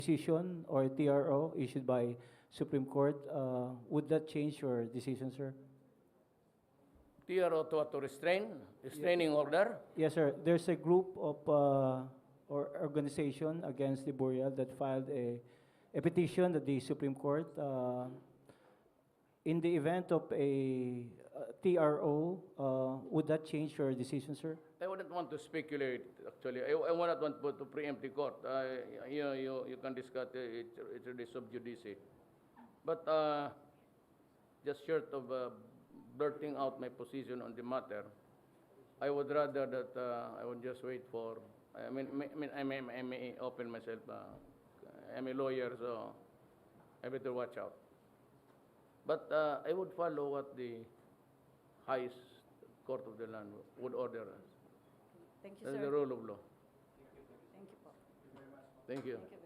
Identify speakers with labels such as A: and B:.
A: decision or TRO issued by Supreme Court, would that change your decision, sir?
B: TRO to restraining order.
A: Yes, sir. There's a group of or organization against the Burial that filed a petition at the Supreme Court. In the event of a TRO, would that change your decision, sir?
B: I wouldn't want to speculate, actually. I would not want to preempt the court. You can discuss it, it's really sub judice. But just short of blurting out my position on the matter, I would rather that I would just wait for. I may open myself. I'm a lawyer, so I better watch out. But I would follow what the highest court of the land would order us.
C: Thank you,
B: That's
C: sir.
B: the rule of law.
C: Thank you po.
B: Thank you.
C: Thank you.